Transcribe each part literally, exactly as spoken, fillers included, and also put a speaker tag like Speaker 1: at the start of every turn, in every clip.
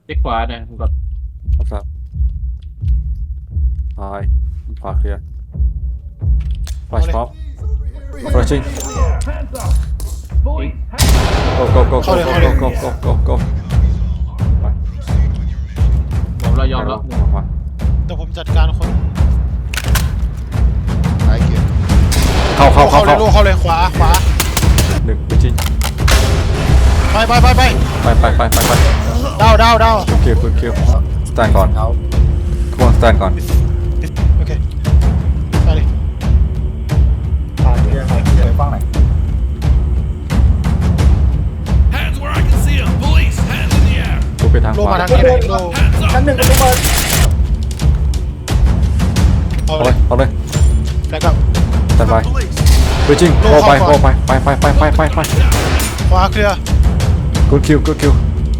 Speaker 1: ช็คขวานะมึงกด
Speaker 2: ครับซ้ายขวาเคลียร์ flash pop flashing go go go go go go go go go go
Speaker 1: ผมเรายอมรับหนึ่ง
Speaker 3: เดี๋ยวผมจัดการคน
Speaker 4: ไอเกียร์
Speaker 2: เข้าเข้าเข้า
Speaker 3: เข้าเลย
Speaker 2: เข้า
Speaker 3: ลูกเข้าเลยขวาขวา
Speaker 2: หนึ่งไปจิง
Speaker 3: ไปไปไปไป
Speaker 2: ไปไปไปไปไป
Speaker 3: ดาวดาวดาว
Speaker 2: คิวคิวคิวสแตนก่อน
Speaker 4: เอา
Speaker 2: ทุกคนสแตนก่อน
Speaker 3: โอเคไปเลย
Speaker 4: ปาเกียร์ปาเกียร์ฟังไหน
Speaker 5: Hands where I can see them. Police, hands in the air.
Speaker 2: ทุกไปทาง
Speaker 3: โล
Speaker 2: ขวา
Speaker 3: มาทางนี้เลยโล
Speaker 5: Hands up.
Speaker 4: ชั้นหนึ่งกระเบิด
Speaker 3: เอา
Speaker 2: เอา
Speaker 3: เล
Speaker 2: เลย ยเอาเลย
Speaker 3: แล้วก็
Speaker 2: สแตนไป
Speaker 5: Police.
Speaker 2: ไปจิงโอ้ไปโอ้ไปไปไปไปไปไปไป
Speaker 3: ขวาเคลียร์
Speaker 2: กูคิวกูคิว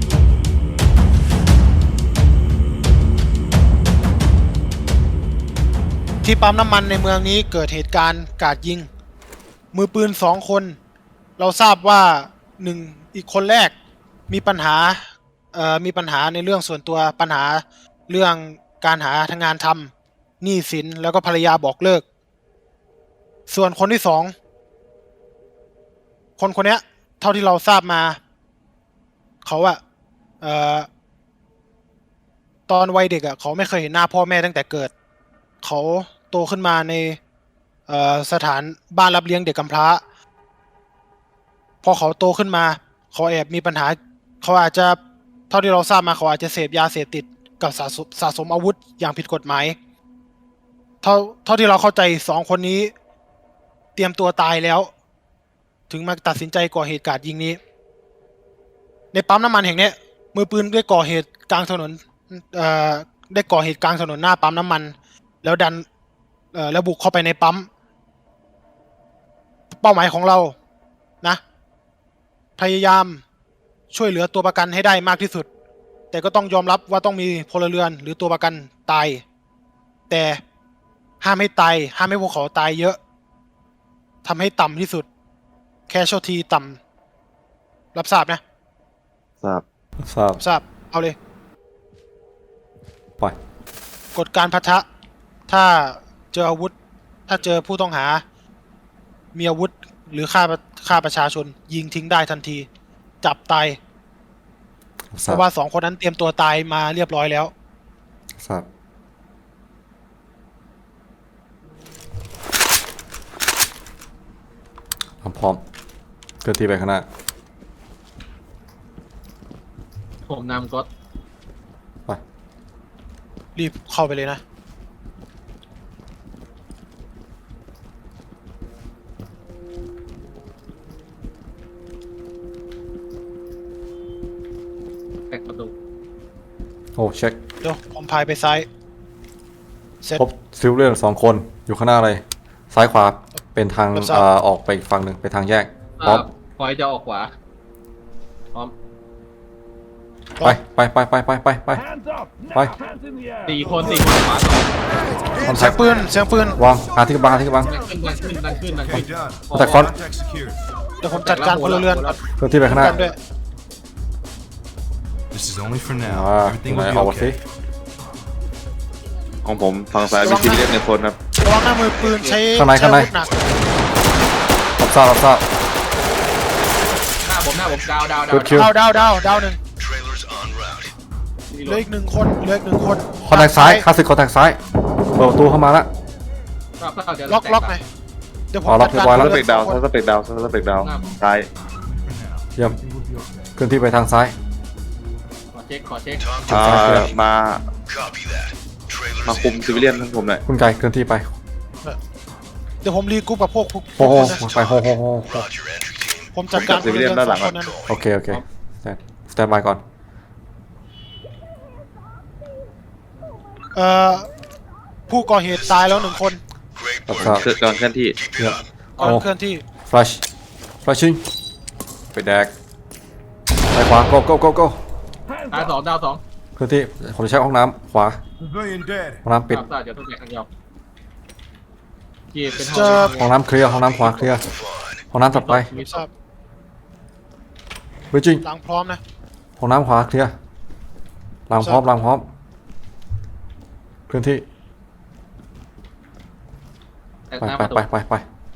Speaker 3: ที่ปั๊มน้ำมันในเมืองนี้เกิดเหตุการณ์กราดยิง มือปืนสองคน เราทราบว่าหนึ่งอีกคนแรกมีปัญหาเอ่อมีปัญหาในเรื่องส่วนตัวปัญหาเรื่องการหาทางงานทำหนี้สินแล้วก็ภรรยาบอกเลิก ส่วนคนที่สองคนคนเนี้ย เท่าที่เราทราบมา เขาอะเอ่อตอนวัยเด็กอะเขาไม่เคยเห็นหน้าพ่อแม่ตั้งแต่เกิด เขาโตขึ้นมาในเอ่อสถานบ้านรับเลี้ยงเด็กกำพร้า พอเขาโตขึ้นมา เขาแอบมีปัญหา เขาอาจจะเท่าที่เราทราบมาเขาอาจจะเสพยาเสพติดกับสะสมสะสมอาวุธอย่างผิดกฎหมาย เท่าเท่าที่เราเข้าใจสองคนนี้ เตรียมตัวตายแล้ว ถึงมาตัดสินใจก่อเหตุการณ์ยิงนี้ ในปั๊มน้ำมันแห่งเนี้ยมือปืนได้ก่อเหตุกลางถนนเอ่อได้ก่อเหตุกลางถนนหน้าปั๊มน้ำมัน แล้วดันเอ่อแล้วบุกเข้าไปในปั๊ม เป้าหมายของเรานะ พยายามช่วยเหลือตัวประกันให้ได้มากที่สุด แต่ก็ต้องยอมรับว่าต้องมีพลเรือนหรือตัวประกันตาย แต่ห้ามให้ตายห้ามให้พวกเขาตายเยอะทำให้ต่ำที่สุด แค่โชทีต่ำรับทราบนะ
Speaker 4: ทราบ
Speaker 2: ทราบ
Speaker 3: รับทราบเอาเลย
Speaker 2: ไป
Speaker 3: กฎการพัทะถ้าเจออาวุธ ถ้าเจอผู้ต้องหา มีอาวุธหรือฆ่าฆ่าประชาชน ยิงทิ้งได้ทันที จับตาย
Speaker 2: ท
Speaker 3: เพ
Speaker 2: ราบ
Speaker 3: ราะว่าสองคนนั้นเตรียมตัวตายมาเรียบร้อยแล้ว
Speaker 2: ทราบพร้อมพร้อมเคลื่อนที่ไปข้างหน้า
Speaker 1: ผมนำกด
Speaker 2: ไป
Speaker 3: รีบเข้าไปเลยนะ
Speaker 1: แตกประตู
Speaker 2: โอ้เช็ค
Speaker 3: เดี๋ยวผมพายไปซ้าย เสร็จ
Speaker 2: พบซิลเลียนสองคนอยู่ข้างหน้าเลย ซ้ายขวาเป็นทาง
Speaker 3: รับทราบ
Speaker 2: เอ่อออกไปอีกฝั่งหนึ่งไปทางแยก พร้อม
Speaker 1: พอยจะออกขวาพร้อม
Speaker 2: ไปไปไปไปไปไปไป
Speaker 5: Hands up. Now,
Speaker 2: Bye.
Speaker 5: hands in the air.
Speaker 1: สี่คนสี่คนขวาสอง
Speaker 2: คอนแท
Speaker 3: เสีย
Speaker 2: ค
Speaker 3: งปืน เสียงปืน
Speaker 2: วางหาที่กำบังหาที่กำบัง
Speaker 1: ดันขึ้นดันขึ้นดันขึ้นดันขึ้น
Speaker 2: แต่คอน
Speaker 3: เดี๋ยวผมจัดการพลเรือนก่อน
Speaker 2: เคลื่อนที่ไปข้างหน้า
Speaker 3: กันด้วย
Speaker 5: This is only for
Speaker 2: อ่า
Speaker 5: now.
Speaker 2: ไหน
Speaker 5: Everything will
Speaker 2: ออก
Speaker 5: be
Speaker 2: มาสิ
Speaker 5: okay.
Speaker 4: ของผมฝั่งซ้ายมีซิวิเลียนหนึ่งคนครับ
Speaker 3: ระวังหน้ามือปืนใช้
Speaker 2: ข้างใน
Speaker 3: ใช้
Speaker 2: ข้างใน
Speaker 3: อาวุธหนัก
Speaker 2: รับทราบรับทราบ
Speaker 1: หน้าผมหน้าผมดาวดาวดาว
Speaker 2: Good kill
Speaker 3: ดาวดาวดาวดาวหนึ่ง
Speaker 1: นี่
Speaker 3: เหลืออีกหนึ่งคนเหลืออีกหนึ่งคน
Speaker 2: คอนแทคซ้ายคลาสสิกคอนแทคซ้ายเปิดประตูเข้ามาละ
Speaker 3: ล็อกล็อกหน่อยเดี๋ยวผม
Speaker 2: อ๋อล็
Speaker 3: จั
Speaker 2: อก
Speaker 3: ดการ
Speaker 2: เรียบร้อยแล้ว
Speaker 4: ส
Speaker 3: พล
Speaker 4: เป
Speaker 3: รื
Speaker 4: ก
Speaker 3: อน
Speaker 4: ดาว
Speaker 3: สองคน
Speaker 4: สเปกดาวสเปกดาวซ้าย
Speaker 2: เยี่ยมเคลื่อนที่ไปทางซ้าย
Speaker 1: ขอเช็คขอเช็ค
Speaker 4: อ่ามามาคุมซิวิเลียนทั้งผมหน่อย
Speaker 2: คุณไก่เคลื่อนที่ไป
Speaker 3: เดี๋ยวผมรีกรุ๊ปกับพวกพวก
Speaker 2: โอ้โห
Speaker 3: พวก
Speaker 2: ไปโฮโฮโฮโฮ
Speaker 3: ผมจัดการพลเรือนสองคนนั้น
Speaker 2: โอเคโอเคสแตนสแตนบายก่อน
Speaker 3: เอ่อผู้ก่อเหตุตายแล้วหนึ่งคน
Speaker 2: รับทราบ
Speaker 4: เคลื่อนกำลังเคลื่อนที่
Speaker 2: เยี่ยม
Speaker 3: ก่อน
Speaker 2: โอ้
Speaker 3: เคลื่อนที่
Speaker 2: ฟลัชฟลัชชิงไปแดกไปขวา go go go go
Speaker 5: Hands
Speaker 1: ดาว
Speaker 5: up.
Speaker 1: สองดาวสอง
Speaker 2: เคลื่อนที่ผมจะใช้ห้องน้ำขวา
Speaker 5: Civilian dead.
Speaker 2: ห้องน้ำปิด
Speaker 1: ดาวสามเดี๋ยวต้องแตกทางยาวจีเป็นห้
Speaker 3: เจ
Speaker 1: อ
Speaker 3: อ
Speaker 1: ง
Speaker 2: ห้องน้ำเคลียร์ห้องน้ำขวาเคลียร์ห้องน้ำถัดไป
Speaker 1: มี
Speaker 3: ทราบ
Speaker 2: เบจิง
Speaker 3: หลังพร้อมนะ
Speaker 2: ห้องน้ำขวาเคลียร์หลังพร้อมหลังพร้อมเคลื่อนที่
Speaker 1: แตก
Speaker 2: ไป
Speaker 1: หน้า
Speaker 2: ไป
Speaker 1: ประตู
Speaker 2: ไปไปไป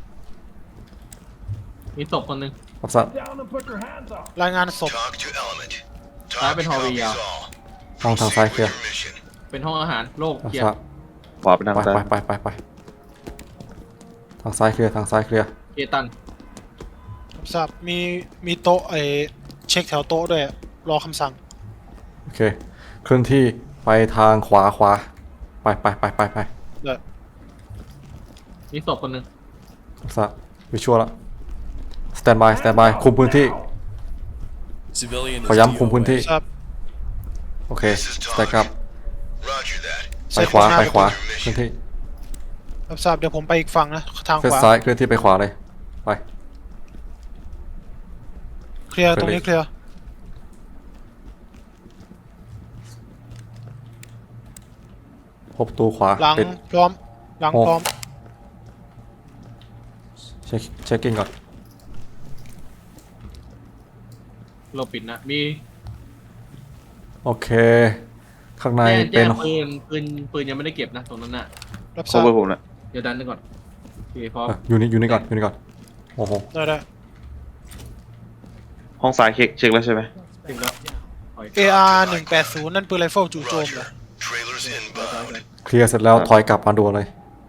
Speaker 1: มีศพคนหนึ่ง
Speaker 2: รับทราบ
Speaker 3: รายงานศพ
Speaker 6: Talk to element.
Speaker 1: I've
Speaker 6: Talk
Speaker 1: been holding
Speaker 6: copies
Speaker 1: you.
Speaker 6: all.
Speaker 2: ห้องทางซ้ายเคลียร์
Speaker 6: Your mission.
Speaker 1: เป็นห้องอาหารโล่ง
Speaker 2: รับ
Speaker 1: เคลีย
Speaker 2: ทราบ
Speaker 1: ร์
Speaker 4: ขวาไปทาง
Speaker 2: ไป
Speaker 4: ซ้าย
Speaker 2: ไปไปไปไปทางซ้ายเคลียร์ทางซ้ายเคลียร์
Speaker 1: เกตัน
Speaker 3: รับทราบมีมีโต๊ะไอเช็คแถวโต๊ะด้วยอะรอคำสั่ง
Speaker 2: โอเคเคลื่อนที่ไปทางขวาขวาไปไปไปไปไป
Speaker 3: เดี๋ยว
Speaker 1: มีศพคนหนึ่ง
Speaker 2: รับทราบวิชวลละสแตนบายสแตนบายคุมพื้นที่
Speaker 5: Civilian
Speaker 2: ขอย้ำคุมพื้นที่
Speaker 3: ทราบ
Speaker 2: โอเคสแต็กอัพ
Speaker 6: Roger that.
Speaker 2: ไปขวา
Speaker 3: เซต
Speaker 2: ไป
Speaker 3: ข้งหน้
Speaker 2: ขวาเคลื่อนที่
Speaker 3: รับทราบเดี๋ยวผมไปอีกฝั่งนะทาง
Speaker 2: เฟ
Speaker 3: ข
Speaker 2: ส
Speaker 3: วา
Speaker 2: ซ้ายเคลื่อนที่ไปขวาเลยไป
Speaker 3: เคลียร์
Speaker 2: ไปเลย
Speaker 3: ตรงนี้เคลียร์
Speaker 2: พบประตูขวา
Speaker 3: หลัง
Speaker 2: ปิด
Speaker 3: พร้อมหลัง
Speaker 2: โอ้
Speaker 3: พร้อม
Speaker 2: เช็คเช็คกิ้งก่อน
Speaker 1: เราปิดนะมี
Speaker 2: โอเค ข้างใน
Speaker 1: แจ้ง
Speaker 2: เป็
Speaker 1: แจ้
Speaker 2: น
Speaker 1: งปืนปืนปืนยังไม่ได้เก็บนะตรงนั้นน่ะ
Speaker 3: รับ
Speaker 4: โค
Speaker 3: ทราบ
Speaker 4: เวอร์ผมนะ
Speaker 1: เดี๋ยวดันไปก่อนโอเคพร้อม
Speaker 2: เอ่ออยู่นี่อยู่นี่ก่อนอยู่นี่ก่อนโอ้โห
Speaker 3: ได้ได้
Speaker 4: ห้องซ้ายเช็คเช็คแล้วใช่ไหม
Speaker 1: ถึงแล้วถอย
Speaker 3: เออาร์หนึ่งแปดศูนย์นั่นปืนไรเฟิลจู่โจมเหรอ
Speaker 6: Roger. Trailers inbound.
Speaker 2: เคลียร์เสร็จแล้วถอยกลับมาดูเลย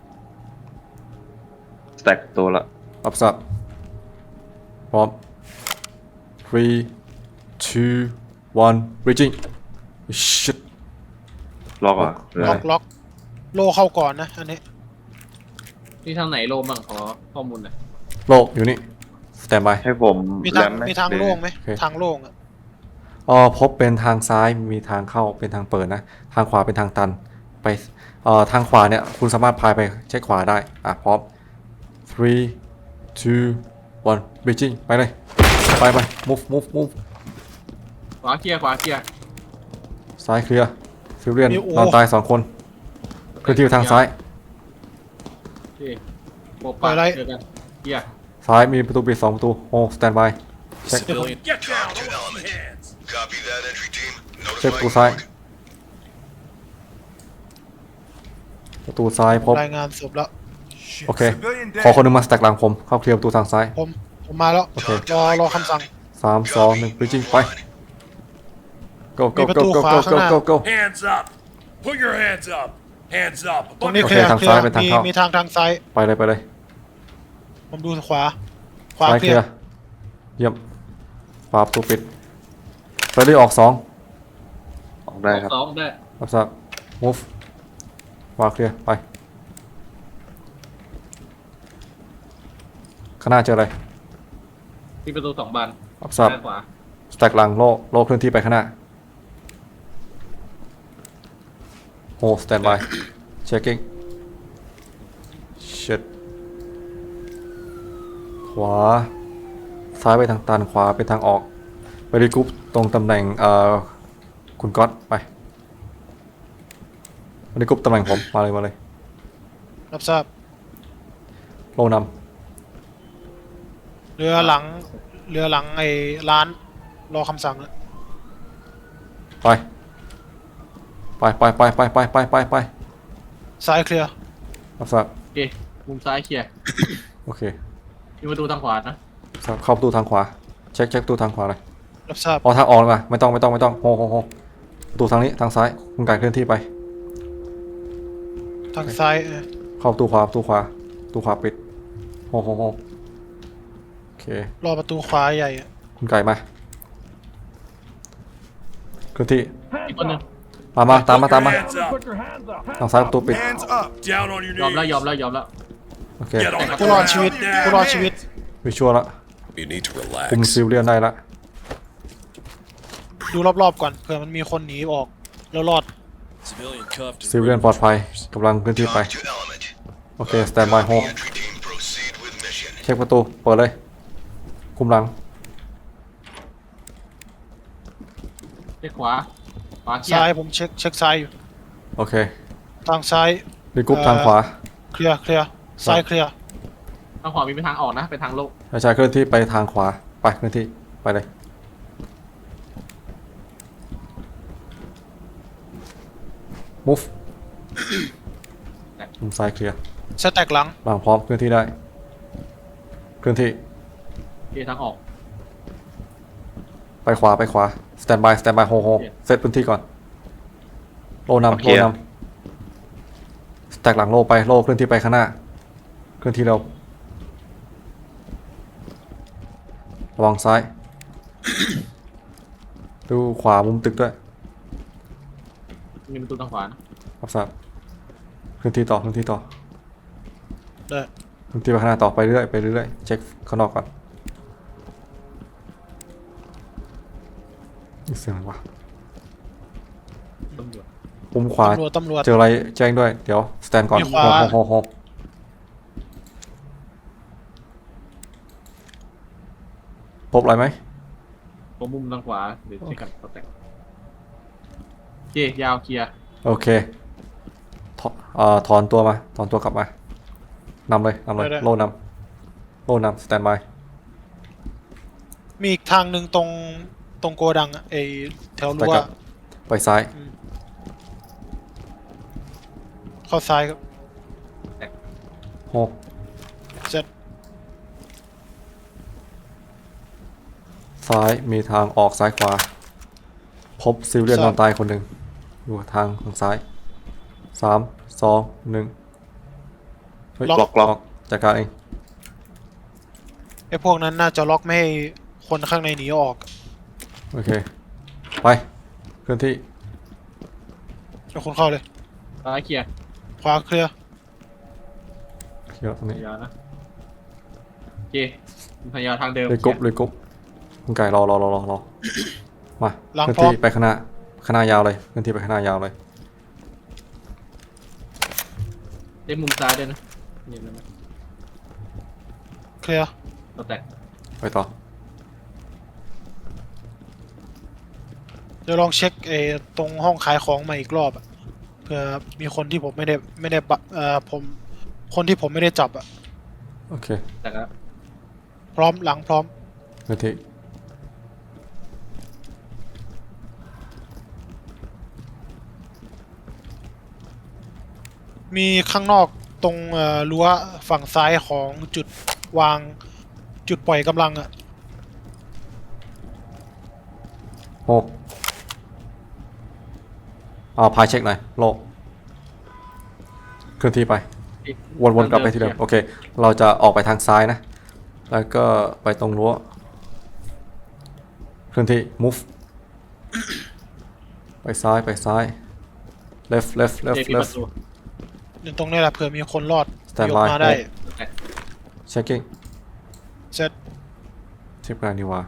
Speaker 4: สแต็กตัวละ
Speaker 2: รับทราบพร้อม three two one bridging shit
Speaker 4: ล็อกอ่ะหรือ
Speaker 3: ล็
Speaker 4: อะ
Speaker 3: อก
Speaker 4: ไร
Speaker 3: ล็อกโลเข้าก่อนนะอันนี้
Speaker 1: นี่ทางไหนโลบ้างขอข้อมูลหน่อย
Speaker 2: โลอยู่นี่สแตนบาย
Speaker 4: ให้ผม
Speaker 3: มี
Speaker 4: แร
Speaker 3: ทาง
Speaker 4: มไหม
Speaker 3: มีทางโล่งไหม
Speaker 2: โอเค
Speaker 3: ทางโล่งอะ
Speaker 2: อ๋อพบเป็นทางซ้ายมีทางเข้าเป็นทางเปิดนะ ทางขวาเป็นทางตันไปเอ่อทางขวาเนี่ยคุณสามารถพายไปเช็คขวาได้อ่ะพร้อม three two one bridging ไปเลยไปไป move move move
Speaker 1: ขวาเคลียร์ขวาเคลียร์
Speaker 2: ซ้ายเคลียร์ซิลเลียนนอนตายสองคนเคลื่อนที่ไปทางซ้าย
Speaker 1: โอเคโปะปะเจอกันเคลียร์
Speaker 2: ซ้ายมีประตูปิดสองประตูโอ้สแตนบาย
Speaker 5: Civilian. Get down.
Speaker 6: Talk to
Speaker 5: I want
Speaker 6: element.
Speaker 5: some hands.
Speaker 6: Copy that entry team.
Speaker 2: เช็ค
Speaker 6: Notify
Speaker 2: ประตูซ้าย
Speaker 6: Group.
Speaker 2: ประตูซ้ายพบ
Speaker 3: รายงานศพแล้ว
Speaker 2: โอเค ขอคนหนึงมาสแต็กหลังผม เข้าเคลียร์ประตูทางซ้าย
Speaker 3: ผมผมมาแล้ว
Speaker 2: โอเค
Speaker 3: รอรอคำสั่ง
Speaker 2: สามสองหนึ่ง bridging ไป go
Speaker 3: มี
Speaker 2: go
Speaker 3: ประ
Speaker 2: go
Speaker 3: ตู
Speaker 2: go
Speaker 3: ขวา
Speaker 2: go
Speaker 3: ข้างห
Speaker 2: go
Speaker 3: น้า
Speaker 2: go go
Speaker 5: Hands up. Put your hands up. Hands up.
Speaker 3: ตรงนี้
Speaker 2: โอ
Speaker 3: เค
Speaker 2: เค
Speaker 3: ลียร์
Speaker 2: ทาง
Speaker 3: เคลีย
Speaker 2: ซ้าย
Speaker 3: ร์
Speaker 2: เป็นทาง
Speaker 3: มี
Speaker 2: เข้ามี
Speaker 3: มีทางทางซ้าย
Speaker 2: ไปเลยไปเลย
Speaker 3: ผมดูขวา ขวา
Speaker 2: ซ้าย
Speaker 3: เค
Speaker 2: เค
Speaker 3: ลี
Speaker 2: ลี
Speaker 3: ย
Speaker 2: ย
Speaker 3: ร์
Speaker 2: ร์เยี่ยมขวาประตูปิดเฟรดดี้ออกสอง
Speaker 4: ออกได้ครับ
Speaker 1: สองได้
Speaker 2: รับทราบ move ขวาเคลียร์ไปข้างหน้าเจออะไร
Speaker 1: ที่ประตูสองบาน
Speaker 2: รับทราบ
Speaker 1: ด้านขวา
Speaker 2: สแต็กหลังโล่โล่เคลื่อนที่ไปข้างหน้าโอ้สแตนบาย checking shit ขวา ซ้ายไปทางตัน ขวาไปทางออก ไปรีกรุ๊ปตรงตำแหน่งเอ่อคุณก๊อตไปไปรีกรุ๊ปตำแหน่งผม มาเลยมาเลย
Speaker 3: รับทราบ
Speaker 2: โล่น
Speaker 3: เรือหลังเรือหลังไอ้ร้านรอคำสั่งอะ
Speaker 2: ำไป ไปไปไปไปไปไปไปไป
Speaker 3: ซ้ายเคลียร์
Speaker 2: รับทราบ
Speaker 1: โอเคมุมซ้ายเคลียร์
Speaker 2: โอเค
Speaker 1: มีประตูทางขวานะ
Speaker 2: ทราบเข้าประตูทางขวา เช็คเช็คประตูทางขวาเลย
Speaker 3: รับทราบ
Speaker 2: อ๋อทางออกเลยป่ะไม่ต้องไม่ต้องไม่ต้องโฮโฮโฮประตูทางนี้ทางซ้ายคุณไก่เคลื่อนที่ไป
Speaker 3: ทางซ้ายเออ
Speaker 2: เข้าประตูขวาประตูขวาประตูขวาปิดโฮโฮโฮโอเค
Speaker 3: รอประตูขวาใหญ่อะ
Speaker 2: คุณไก่มาเคลื่อนที่
Speaker 1: อีกคนหนึ่ง
Speaker 2: มามาตามมาตามมา
Speaker 5: Hands up.
Speaker 2: ทางซ้ายประตูปิด
Speaker 6: Hands up.
Speaker 5: Down on your
Speaker 1: ยอมแล้ว
Speaker 5: knees.
Speaker 1: ยอมแล้วยอมแล้ว
Speaker 2: โอเค
Speaker 5: Get on the
Speaker 3: ผู้รอดชีวิต
Speaker 5: ground.
Speaker 3: ผู้รอดชีวิต
Speaker 2: วิชวลละ
Speaker 5: You need to
Speaker 2: คุม
Speaker 5: relax.
Speaker 2: ซิลเลียนได้ละ
Speaker 3: ดูรอบๆก่อนเผื่อมันมีคนหนีออกแล้วรอด
Speaker 5: Civilian cuffed and
Speaker 2: ซิลเลียนปลอดภัยกำลังเคลื่อนที่ไป
Speaker 6: Talk to element.
Speaker 2: โอเคสแตนบายโฮ
Speaker 6: Entry team proceed with mission.
Speaker 2: เช็คประตูเปิดเลยคุมหลัง
Speaker 1: เช็คขวาขวาเคลีย
Speaker 3: ซ้าย
Speaker 1: ร์
Speaker 3: ผมเช็คเช็คซ้ายอยู่
Speaker 2: โอเค
Speaker 3: ทางซ้าย
Speaker 2: รีกรุ๊ป
Speaker 3: เอ่อ
Speaker 2: ทางขวา
Speaker 3: เคลียร์เคลียร์ซ้ายเคลียร์
Speaker 1: ทางขวามีเป็นทางออกนะเป็นทางโลก
Speaker 2: ใช่เคลื่อนที่ไปทางขวาไปเคลื่อนที่ไปเลย move มุมซ้ายเคลียร์
Speaker 3: สแต็กหลัง
Speaker 2: หลังพร้อมเคลื่อนที่ได้เคลื่อนที่
Speaker 1: เคทางออก
Speaker 2: ไปขวาไปขวา stand by stand by โฮโฮ
Speaker 1: โอเค
Speaker 2: เซตพื้นที่ก่อนโลนำ
Speaker 4: โอเค
Speaker 2: โลนำสแต็กหลังโลไปโลเคลื่อนที่ไปข้างหน้าเคลื่อนที่เร็วระวังซ้าย ดูขวามุมตึกด้วย
Speaker 1: มีประตูทางขวานะ
Speaker 2: รับทราบเคลื่อนที่ต่อเคลื่อนที่ต่อ
Speaker 3: ได้
Speaker 2: เคลื่อนที่ไปข้างหน้าต่อไปเรื่อยไปเรื่อยเช็คข้างนอกก่อนนี่เสียงอะไรวะ
Speaker 1: ตำรวจ
Speaker 2: มุมขวา
Speaker 3: ตำรวจตำรวจ
Speaker 2: เจออะไรแจ้งด้วยเดี๋ยวสแตนก่อน
Speaker 3: มีขวา
Speaker 2: โฮโฮโฮพบอะไรไหม
Speaker 1: ตรงมุมทางขวาเดี๋ยวเช็คกันสแต็กโอเคยาวเคลียร์
Speaker 2: โอเคถอเอ่อถอนตัวมาถอนตัวกลับมานำเลยนำเลยโล่นำโล่นำสแตนบาย
Speaker 3: มีอีกทางหนึ่งตรงตรงโกดังอะไอแถว
Speaker 2: ไป
Speaker 3: รั้ว
Speaker 2: กับไปซ้าย
Speaker 3: เข้าซ้ายครับ
Speaker 2: โฮ
Speaker 3: เจ็ด
Speaker 2: ซ้ายมีทางออกซ้ายขวาพบซิลเลียนนอนตายคนหนึ่งอยู่ทางทางซ้ายสามสองหนึ่งเฮ้ย
Speaker 4: ล็อกล็อก
Speaker 2: จัดการเอง
Speaker 3: ไอพวกนั้นน่าจะล็อกไม่ให้คนข้างในหนีออก
Speaker 2: โอเคไปเคลื่อนที่
Speaker 3: เดี๋ยวคนเข้าเลย
Speaker 1: ซ้ายเคลียร์
Speaker 3: ขวาเคลียร์
Speaker 2: เคลียร์ตรงนี้
Speaker 1: ยาวนะโอเคพยายามทางเดิม
Speaker 2: เลยกรุ๊บเลยกรุ๊บคุณไก่รอรอรอรอรอมา
Speaker 3: หลัง
Speaker 2: เคลื่อน
Speaker 3: พร้อม
Speaker 2: ที่ไปข้างหน้าข้างหน้ายาวเลยเคลื่อนที่ไปข้างหน้ายาวเลย
Speaker 1: ได้มุมซ้ายด้วยนะเห็นไหม
Speaker 3: เคลียร์
Speaker 1: สแต็ก
Speaker 2: ไปต่อ
Speaker 3: เดี๋ยวลองเช็คไอตรงห้องขายของมาอีกรอบอะเผื่อมีคนที่ผมไม่ได้ไม่ได้บะเอ่อผมคนที่ผมไม่ได้จับอะ
Speaker 2: โอเค
Speaker 1: แต่ก็
Speaker 3: พร้อมหลังพร้อม
Speaker 2: เคลื่อนที่
Speaker 3: มีข้างนอกตรงเอ่อรั้วฝั่งซ้ายของจุดวางจุดปล่อยกำลังอะ
Speaker 2: โฮเอาพายเช็คหน่อยโลกเคลื่อนที่ไป วนๆกลับไปที่เดิมโอเค เราจะออกไปทางซ้ายนะ แล้วก็ไปตรงรั้วเคลื่อนที่ move ไปซ้ายไปซ้าย left left
Speaker 1: เจ
Speaker 2: left
Speaker 1: มีประ
Speaker 2: left
Speaker 1: ตู
Speaker 3: เดี๋ยวตรงนี้แหละเผื่อมีคนรอด
Speaker 2: Stand
Speaker 3: ยกมา
Speaker 2: by
Speaker 3: ได้
Speaker 1: สแต็ก
Speaker 2: checking
Speaker 3: เสร็จ
Speaker 2: ทิปงานดีว่า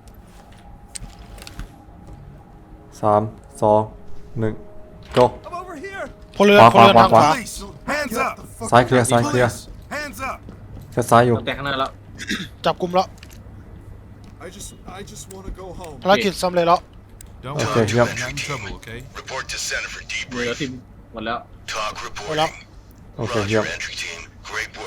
Speaker 2: สามสองหนึ่ง go
Speaker 5: I'm over here.
Speaker 3: พลเรือน
Speaker 2: ขวา
Speaker 3: พลเรือน
Speaker 2: ขวา
Speaker 3: ทาง
Speaker 2: ขวา
Speaker 3: ขวา
Speaker 5: Police, hands up.
Speaker 2: ซ้ายเคลียร์ซ้ายเคลียร์
Speaker 5: Hands up.
Speaker 2: เซตซ้ายอยู่
Speaker 1: สแต็กข้างหน้าแล้ว
Speaker 3: จับกลุ่มแล้ว
Speaker 7: I just, I just want to go home.
Speaker 3: ภารกิจสำเร็จแล้ว
Speaker 5: Don't
Speaker 2: Okay,
Speaker 5: worry,
Speaker 2: yep.
Speaker 5: you're not in trouble, okay?
Speaker 6: Report to center for
Speaker 1: เหลือ
Speaker 6: debrief.
Speaker 1: ทีมหมดแล้ว
Speaker 6: Talk
Speaker 3: Hola.
Speaker 6: reporting.
Speaker 2: Okay,
Speaker 6: Roger,
Speaker 2: yep.
Speaker 6: entry team. Great work.